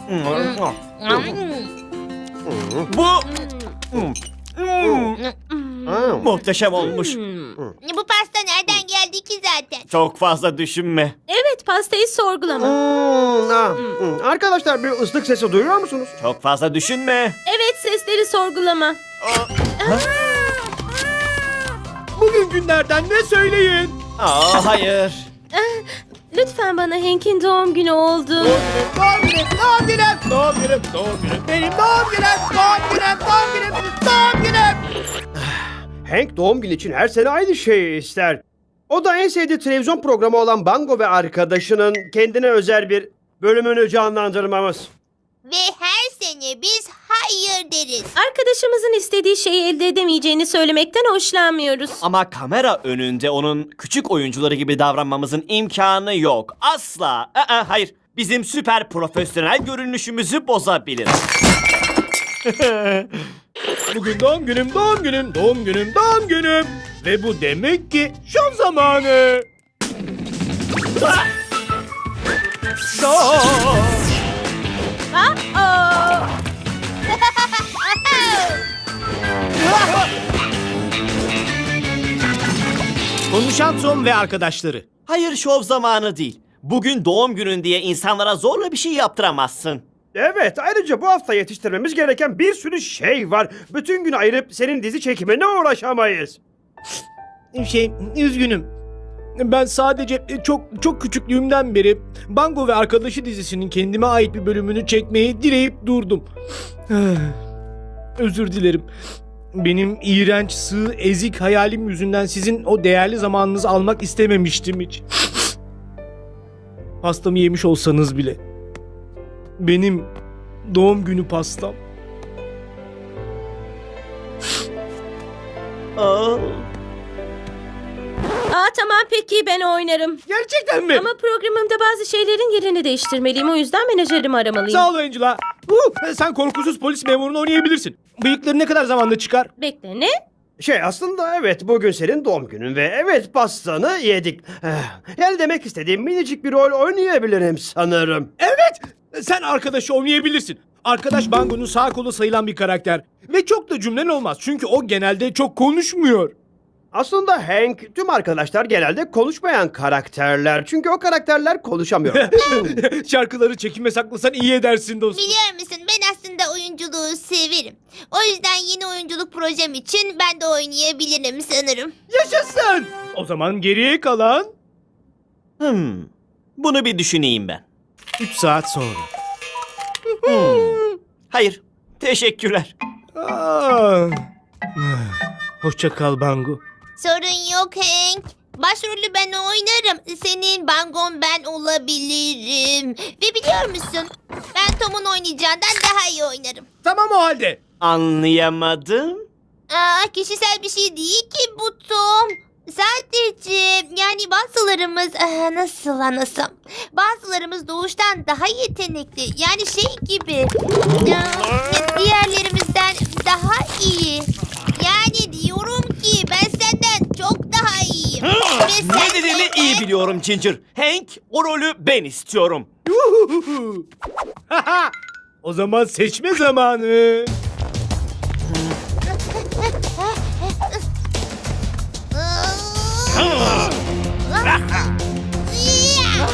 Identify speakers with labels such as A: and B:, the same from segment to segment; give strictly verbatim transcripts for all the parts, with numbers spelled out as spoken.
A: Bu muhteşem olmuş.
B: Bu pasta nereden geldi ki zaten?
A: Çok fazla düşünme.
C: Evet, pastayı sorgulama.
D: Hmm, ah, hmm. Arkadaşlar bir ıslık sesi duyuyor musunuz?
A: Çok fazla düşünme.
C: Evet, sesleri sorgulama.
E: Bugün günlerden ne söyleyin?
A: Aa, hayır.
C: Lütfen bana Hank'in doğum günü oldu.
E: Doğum günüm, doğum günüm, doğum günüm, doğum günüm, benim doğum günüm, doğum günüm, doğum günüm, doğum günüm.
D: Hank doğum günü için her sene aynı şeyi ister. O da en sevdiği televizyon programı olan Bango ve arkadaşının kendine özel bir bölümünü canlandırmamız.
B: Ve her sene biz hayır deriz.
C: Arkadaşımızın istediği şeyi elde edemeyeceğini söylemekten hoşlanmıyoruz.
A: Ama kamera önünde onun küçük oyuncuları gibi davranmamızın imkanı yok. Asla. Aa, hayır. Bizim süper profesyonel görünüşümüzü bozabilir.
E: Bugün doğum günüm, doğum günüm, doğum günüm, doğum günüm. Ve bu demek ki şov zamanı. Ah! Ah!
C: Aa!
E: Konuşan Tom ve arkadaşları.
A: Hayır, şov zamanı değil. Bugün doğum günün diye insanlara zorla bir şey yaptıramazsın.
D: Evet, ayrıca bu hafta yetiştirmemiz gereken bir sürü şey var. Bütün gün ayırıp senin dizi çekimine uğraşamayız.
E: Şey, üzgünüm. Ben sadece çok çok küçüklüğümden beri Bango ve Arkadaşı dizisinin kendime ait bir bölümünü çekmeyi dileyip durdum. Özür dilerim. Benim iğrenç, sığ, ezik hayalim yüzünden sizin o değerli zamanınızı almak istememiştim hiç. Pastamı yemiş olsanız bile. Benim doğum günü pastam.
A: Aa.
C: Aa, tamam peki, ben oynarım.
E: Gerçekten mi?
C: Ama programımda bazı şeylerin yerini değiştirmeliyim. O yüzden menajerimi aramalıyım.
E: Sağ ol Angela. Uh, sen korkusuz polis memurunu oynayabilirsin. Bıyıkları ne kadar zamanda çıkar?
C: Bekle, ne?
D: Şey aslında evet bugün senin doğum günün ve evet pastanı yedik. Eh, Yani demek istediğim minicik bir rol oynayabilirim sanırım.
E: Evet, sen arkadaşı oynayabilirsin. Arkadaş Bango'nun sağ kolu sayılan bir karakter. Ve çok da cümlen olmaz çünkü o genelde çok konuşmuyor.
D: Aslında Hank tüm arkadaşlar genelde konuşmayan karakterler. Çünkü o karakterler konuşamıyor.
E: Şarkıları çekime saklasan iyi edersin dostum.
B: Biliyor musun, ben aslında oyunculuğu severim. O yüzden yeni oyunculuk projem için ben de oynayabilirim sanırım.
E: Yaşasın! O zaman geriye kalan
A: Hmm. Bunu bir düşüneyim ben.
E: üç saat sonra.
A: Hayır. Teşekkürler.
E: Aa. Hoşça kal Bango.
B: Sorun yok Hank. Başrolü ben oynarım. Senin Bangon ben olabilirim. Ve biliyor musun, ben Tom'un oynayacağından daha iyi oynarım.
E: Tamam o halde.
A: Anlayamadım.
B: Aa, kişisel bir şey değil ki bu Tom. Sadece yani bazılarımız ah, nasıl anlasam, bazılarımız doğuştan daha yetenekli, yani şey gibi ah, diğerlerimizden daha iyi. Yani diyorum ki ben senden çok daha iyiyim. Ve sen
A: Ne dediğini
B: de-
A: iyi biliyorum Ginger. Hank, o rolü ben istiyorum.
E: O zaman seçme zamanı.
B: Ah. Ya.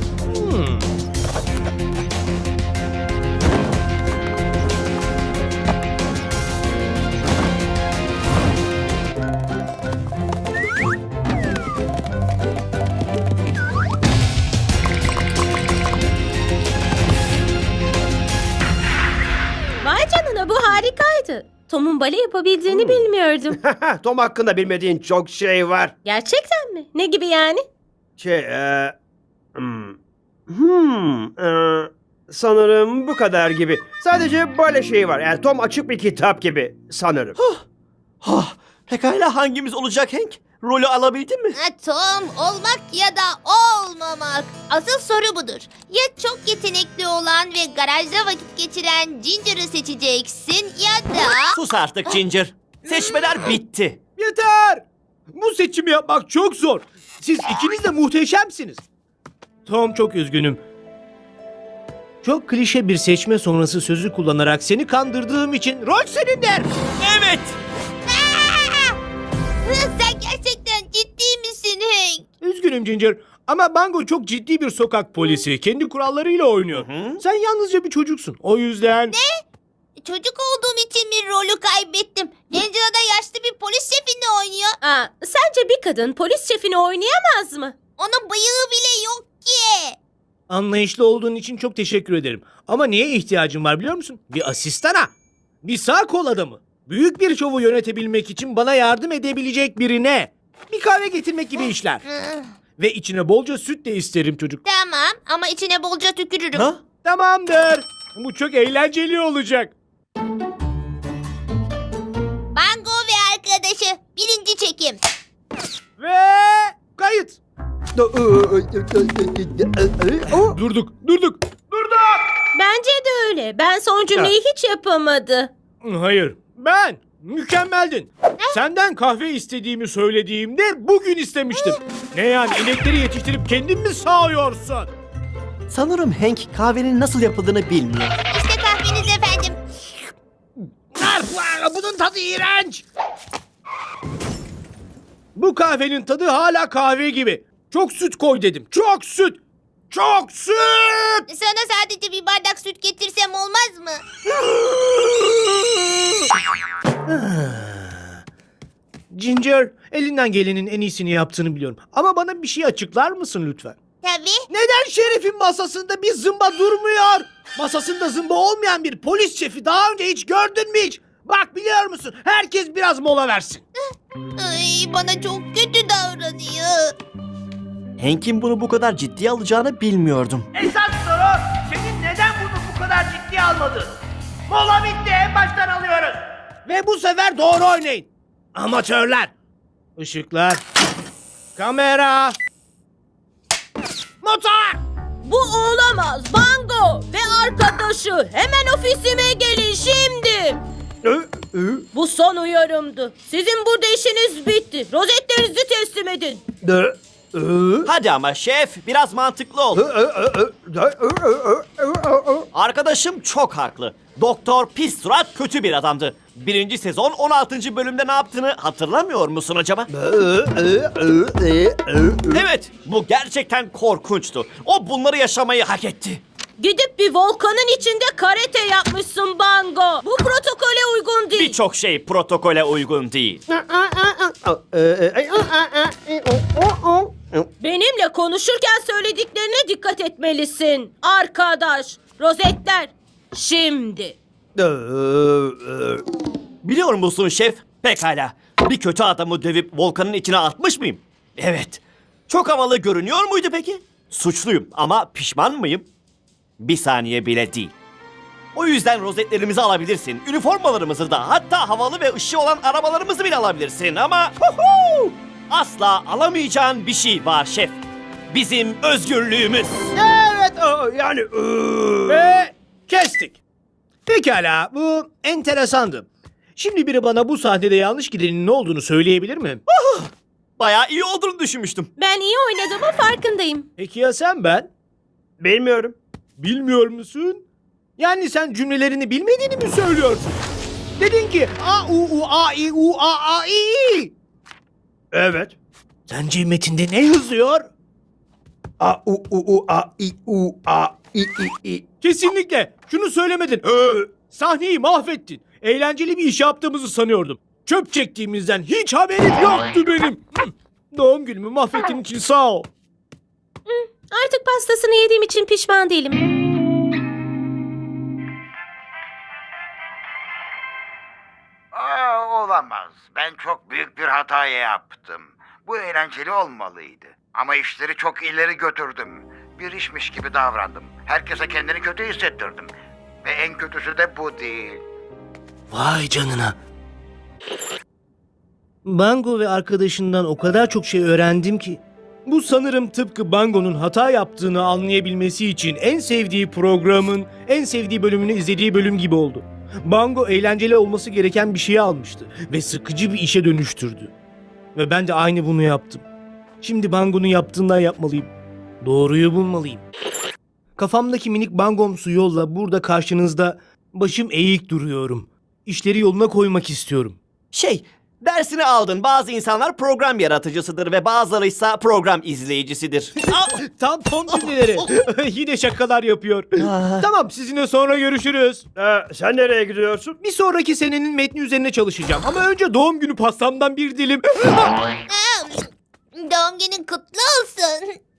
C: Vay canına, bu harikaydı. Tom'un bale yapabildiğini bilmiyordum.
D: Tom hakkında bilmediğin çok şey var.
C: Gerçekten mi? Ne gibi yani?
D: Şey, e, hmm, hmm, e, sanırım bu kadar gibi. Sadece böyle şey var. Yani Tom açık bir kitap gibi sanırım.
A: Ah, pekala hangimiz olacak Hank? Rolü alabildin mi?
B: Ha, Tom olmak ya da olmamak. Asıl soru budur. Ya çok yetenekli olan ve garajda vakit geçiren Ginger'ı seçeceksin ya da...
A: Sus artık Ginger. Seçmeler bitti.
E: Yeter! Bu seçimi yapmak çok zor. Siz ikiniz de muhteşemsiniz. Tom, çok üzgünüm. Çok klişe bir seçme sonrası sözü kullanarak seni kandırdığım için rol senindir.
A: Evet.
B: Aa! Sen gerçekten ciddi misin Hank?
E: Üzgünüm Ginger ama Bango çok ciddi bir sokak polisi. Kendi kurallarıyla oynuyor.
A: Hı.
E: Sen yalnızca bir çocuksun. O yüzden...
B: Çocuk olduğum için mi rolü kaybettim? Angela da yaşlı bir polis şefini oynuyor.
C: Aa, sence bir kadın polis şefini oynayamaz mı?
B: Onun bıyığı bile yok ki.
E: Anlayışlı olduğun için çok teşekkür ederim. Ama neye ihtiyacım var biliyor musun? Bir asistana. Bir sağ kol adamı. Büyük bir şovu yönetebilmek için bana yardım edebilecek birine. Bir kahve getirmek gibi işler.
B: Hı,
E: Ve içine bolca süt de isterim çocuk.
B: Tamam ama içine bolca tükürürüm.
A: Ha?
E: Tamamdır. Bu çok eğlenceli olacak.
B: Bango ve arkadaşı. Birinci çekim.
E: Ve kayıt. Durduk, durduk.
C: Bence de öyle. Ben son cümleyi hiç yapamadı.
E: Hayır, ben. Mükemmeldin. Senden kahve istediğimi söylediğimde bugün istemiştim. Ne yani inekleri yetiştirip kendin mi sağıyorsun?
A: Sanırım Hank kahvenin nasıl yapıldığını bilmiyor.
B: İşte kahveniz efendim.
E: Bunun tadı iğrenç. Bu kahvenin tadı hala kahve gibi. Çok süt koy dedim. Çok süt. Çok süt.
B: Sana sadece bir bardak süt getirsem olmaz mı?
E: Ginger, elinden gelenin en iyisini yaptığını biliyorum. Ama bana bir şey açıklar mısın lütfen?
B: Tabii.
E: Neden şerifin masasında bir zımba durmuyor? Masasında zımba olmayan bir polis şefi daha önce hiç gördün mü hiç? Bak biliyor musun? Herkes biraz mola versin.
B: Ay, bana çok kötü davranıyor.
A: Hank'in bunu bu kadar ciddiye alacağını bilmiyordum.
F: Esas soru senin neden bunu bu kadar ciddiye almadın? Mola bitti, en baştan alıyoruz.
E: Ve bu sefer doğru oynayın. Amatörler. Işıklar. Kamera. Motor.
C: Bu olamaz. Bango ve arkadaşı. Hemen ofisime gelin şimdi. Bu son uyarımdı. Sizin burada işiniz bitti. Rozetlerinizi teslim edin.
A: Hadi ama şef biraz mantıklı ol. Arkadaşım çok haklı. Doktor Pis Surat kötü bir adamdı. Birinci sezon on altıncı bölümde ne yaptığını hatırlamıyor musun acaba? Evet, bu gerçekten korkunçtu. O bunları yaşamayı hak etti.
C: Gidip bir volkanın içinde karate yapmışsın Bango. Bu protokole uygun değil.
A: Birçok şey protokole uygun değil.
C: Benimle konuşurken söylediklerine dikkat etmelisin. Arkadaş, rozetler. Şimdi.
A: Biliyor musun şef? Pekala. Bir kötü adamı dövüp volkanın içine atmış mıyım? Evet. Çok havalı görünüyor muydu peki? Suçluyum ama pişman mıyım? Bir saniye bile değil. O yüzden rozetlerimizi alabilirsin. Üniformalarımızı da, hatta havalı ve ışığı olan arabalarımızı bile alabilirsin ama huhu, asla alamayacağın bir şey var şef. Bizim özgürlüğümüz.
D: Evet, o, yani...
E: Ve kestik. Pekala, bu enteresandı. Şimdi biri bana bu sahnede yanlış gidenin ne olduğunu söyleyebilir mi?
A: Bayağı iyi olduğunu düşünmüştüm.
C: Ben iyi oynadığımın farkındayım.
E: Peki ya sen ben?
D: Bilmiyorum.
E: Bilmiyor musun? Yani sen cümlelerini bilmediğini mi söylüyorsun? Dedin ki a u u a i u a a i i.
D: Evet.
E: Sence metinde ne yazıyor?
D: A u u u a i u a i i i.
E: Kesinlikle. Şunu söylemedin. Ö, sahneyi mahvettin. Eğlenceli bir iş yaptığımızı sanıyordum. Çöp çektiğimizden hiç haberim yoktu benim. Hı. Doğum günümü mahvettiğin için sağ ol.
C: Artık pastasını yediğim için pişman değilim.
G: Aa, olamaz. Ben çok büyük bir hata yaptım. Bu eğlenceli olmalıydı. Ama işleri çok ileri götürdüm. Bir işmiş gibi davrandım. Herkese kendini kötü hissettirdim. Ve en kötüsü de bu değil.
E: Vay canına. Bango ve arkadaşından o kadar çok şey öğrendim ki. Bu sanırım tıpkı Bango'nun hata yaptığını anlayabilmesi için en sevdiği programın en sevdiği bölümünü izlediği bölüm gibi oldu. Bango eğlenceli olması gereken bir şeyi almıştı ve sıkıcı bir işe dönüştürdü. Ve ben de aynı bunu yaptım. Şimdi Bango'nun yaptığından yapmalıyım. Doğruyu bulmalıyım. Kafamdaki minik bangomsu yolla burada karşınızda başım eğik duruyorum. İşleri yoluna koymak istiyorum.
A: Şey, dersini aldın. Bazı insanlar program yaratıcısıdır ve bazıları ise program izleyicisidir. Aa!
E: Tam son cümleleri. Yine şakalar yapıyor. Tamam, sizinle sonra görüşürüz.
D: Ee, sen nereye gidiyorsun?
E: Bir sonraki senenin metni üzerine çalışacağım. Ama önce doğum günü pastamdan bir dilim.
B: Doğum günün kutlu olsun.